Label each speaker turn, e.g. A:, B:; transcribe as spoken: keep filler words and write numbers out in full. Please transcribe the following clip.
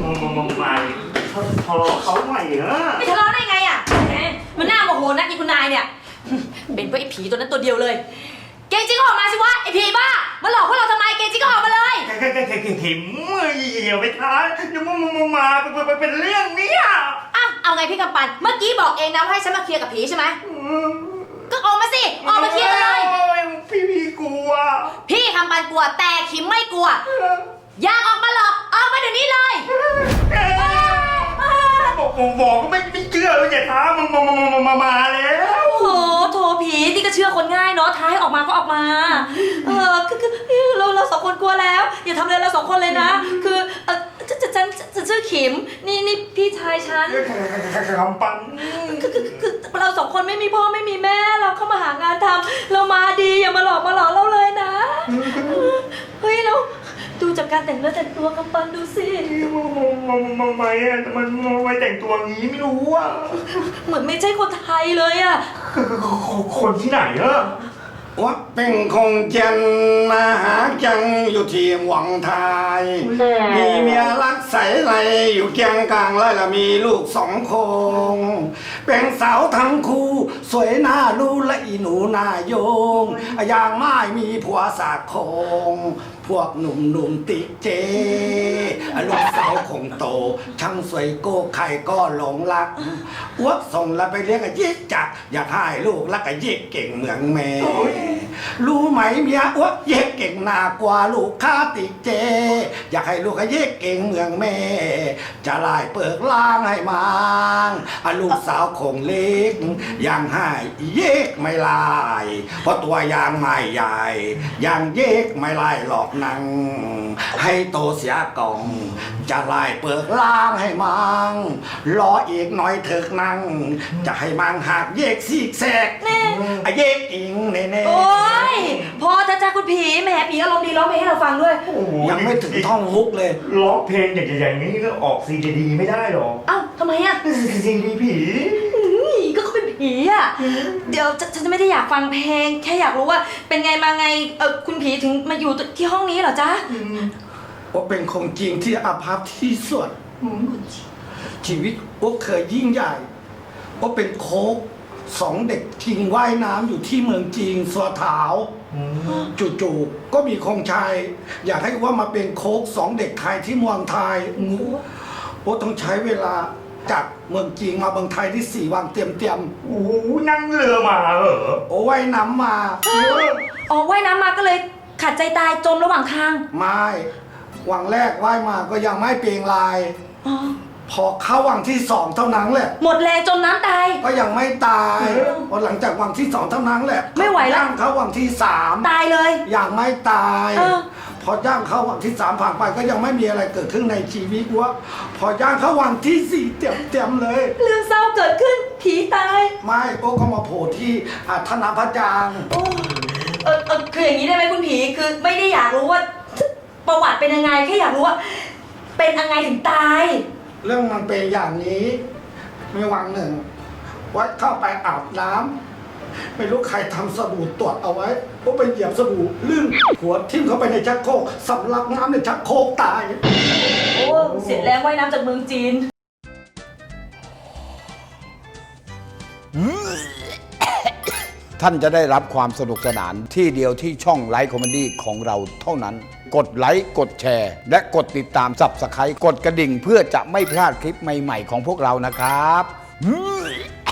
A: มึงมาทะเลาะเขาใหม่เหรอ
B: ไม่ทะเลาะได้ไงอ่ะมันน่าโมโหนักอีคุณนายเนี่ยเป็นเพราะไอ้ผีตัวนั้นตัวเดียวเลยเกจิก็ออกมาสิวะไอ้ผีบ้ามาหลอกพวกเราทำไมเกจิก็ออกมาเลย
A: แกแกแกแกถิมเดี๋ยวไปท้าเดี๋ยวมึงมึงมาเป็นเรื่องนี้อ่ะ
B: อ้าวเอาไงพี่กำปั้นเมื่อกี้บอกเองนะว่าให้ฉันมาเคลียร์กับผีใช่ไหมก็ออกมาสิออกมาเคลียร์กันเลย
A: พี่พี่กลัว
B: พี่กำปั้นกลัวแต่ขิมไม่กลัวอยากออกมาหรอกออกมาเดี๋ยวนี้เลย
A: บอกบอกก็ไม่ไม่เชื่อเลยอย่าท้ามึงมามามามามาแล้ว
B: โอ้โหโถผีนี่ก็เชื่อคนง่ายเนาะท้ายออกมาก็ออกมาเออคือคือเราเราสองคนกลัวแล้วอย่าทำอะไรเราสองคนเลยนะคือเออฉันฉันฉันชื่อขิมนี่นี่พี่ชายฉัน
A: คำปัง
B: คือคือคือเราสองคนไม่มีพ่อไม่มีแม่เราเข้ามาหางานทำเรามาดีอย่ามาหลอกมาหลอกเราเลยนะเฮ้ยเราดูจากการแต่งเนื้อแต่งตัวกำปั้นดูสิ
A: มันมันไม่อะมันไม่แต่งตัวงี้ไม่รู้อ่ะ
B: เหมือนไม่ใช่คนไทยเลยอ่ะ
A: คนที่ไหนอะ
C: ว่าเป็นคงเจนมาหาจังอยู่ที่หวังไทยมีเมียรักใสไรอยู่เกียงกลางไรละมีลูกสองคงเป็นสาวทั้งคู่สวยหน้าดูและอีหนูหน้าโยงอย่างไม้มีผัวสากคงพวกหนุ่มหนุ่มติเจลูกสาวคงโตช่างสวยโก้ใครก็หลงรักอ้วกส่งแล้วไปเลี้ยงกับยิกจักอยากให้ลูกรักกับยิกเก่งเหมือนแม่รู้ไหมเมียอ้วกเย็กเก่งหน้ากว่าลูกค้าติเจอยากให้ลูกกับเย็กเก่งเหมือนแม่จะไล่เปิกล่างให้มังลูกสาวคงเล็กยังให้เย็กไม่ลายเพราะตัวยางไม่ใหญ่ยังเย็กไม่ลายหลอกนังให้โตเสียกองจะไล่เปิกล่างให้มังรออีกหน่อยเถิกนังจะให้มังหักเย็กซีกแซกไอเย็กอิงเน่เน่
B: โอ้ยพอจะจ้าคุณผีแหมผีอารมณ์ดีร้องเพลงให้เราฟังด้วย
C: ยังไม่ถึงท่องฮุกเลย
A: ร้องเพลงอย่างใหญ่ๆนี้ก็ออกซีดีไม่ได้หรอ
B: อ้าวทำไมอ่ะ
A: ซีดีผี
B: ก็เขาเป็นผีอ่ะเดี๋ยวฉันจะไม่ได้อยากฟังเพลงแค่อยากรู้ว่าเป็นไงมาไงเออคุณผีถึงมาอยู่ที่ห้องนี้เหรอจ๊ะ
C: ว่าเป็นคงจริงที่อาภัพที่สุดชีวิตว่าเคยยิ่งใหญ่ว่าเป็นโค้กสองเด็กทิ้งว่ายน้ำอยู่ที่เมืองจีนสัวถาวจู่ๆก็มีคงชายอยากให้ว่ามาเป็นโค้กสองเด็กไทยที่เมืองไทยว่าต้องใช้เวลาจากเมืองจีนมาเมืองไทยที่สี่วันเตรียมเตรียม
A: โอ้นั่งเรือมาเหรอ
C: โอ้ว่ายน้ำมา
B: อ๋อว่ายน้ำมาก็เลยขาดใจตายจมระหว่างทาง
C: ไม่วังแรกว่ายมาก็ยังไม่เปลี่ยนลายพอเข้าวังที่สองเท่านั้นแหละ
B: หมดแรงจมน้ำตาย
C: ก็ยังไม่ตายพอหลังจากวังที่สองเท่านั้นแหละ
B: ไม่ไหวแล้ว
C: เข้าวังที่สาม
B: ตายเลย
C: ยังไม่ตายพอย่างเข้าวังที่สามผ่านไปก็ยังไม่มีอะไรเกิดขึ้นในชีวิตวะพอย่างเข้าวังที่สี่เต็มเต็มเลย
B: เรื่องเศร้าเกิดขึ้นผีตาย
C: ไม่โอ้ก็มาโผล่ที่ธนาพระจาง
B: โอ้เออเออคืออย่างนี้ได้ไหมคุณผีคือไม่ได้อยากรู้ว่าประวัติเป็นยังไงแค่อยากรู้ว่าเป็นยังไงถึงตาย
C: เรื่องมันเป็นอย่างนี้มีวันหนึ่งวัดเข้าไปอาบน้ำไม่รู้ใครทำสบู่ตรวจเอาไว้ก็ไปเหยียบสบู่ลื่นหัวทิ่มเข้าไปในชักโครกสำลักน้ำในชักโครกตาย
B: โอ้เสียแรงว่ายน้ำจากเมืองจีน
D: ท่านจะได้รับความสนุกสนานที่เดียวที่ช่องไลฟ์คอมเมดี้ของเราเท่านั้นกดไลค์กดแชร์และกดติดตาม ซับสไครบ์ กดกระดิ่งเพื่อจะไม่พลาดคลิปใหม่ๆของพวกเรานะครับ